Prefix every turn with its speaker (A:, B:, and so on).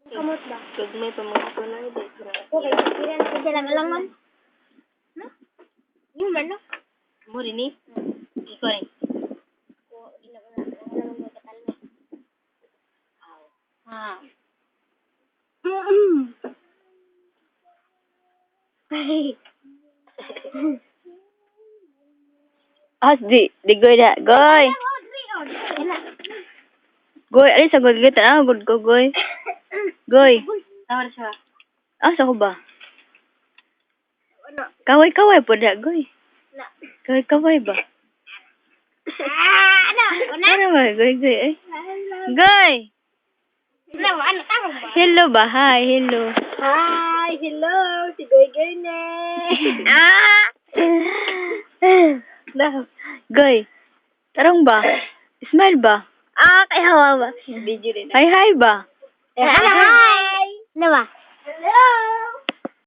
A: Kamot ba?
B: Gagmay pa mga tunay dito.
A: Okay, kiran sa dala malangon. No? Yung man, no?
B: Mo rin eh. Ikaw rin.
A: Ko, ina ko na. Wala mo katalme.
B: Ah. Di goy na. Goy! Goy, alis sa goy. Good ko, goy. Goy. Tawar siya. Sa ko ba?
A: Ano?
B: Kaway-kaway po na, goy.
A: Na.
B: Kaway-kaway ba?
A: Ano? Una?
B: Ano ba? Goy. Goy!
A: Ano? Ano? Tawag ba?
B: Hello ba? Hi, hello.
A: Hi! Hello! Si Goy ne!
B: Goy. Tarong ba? Smile ba?
A: Kay hawa ba?
B: Video rin. Hi ba?
A: Hi! Ano ba? Hello!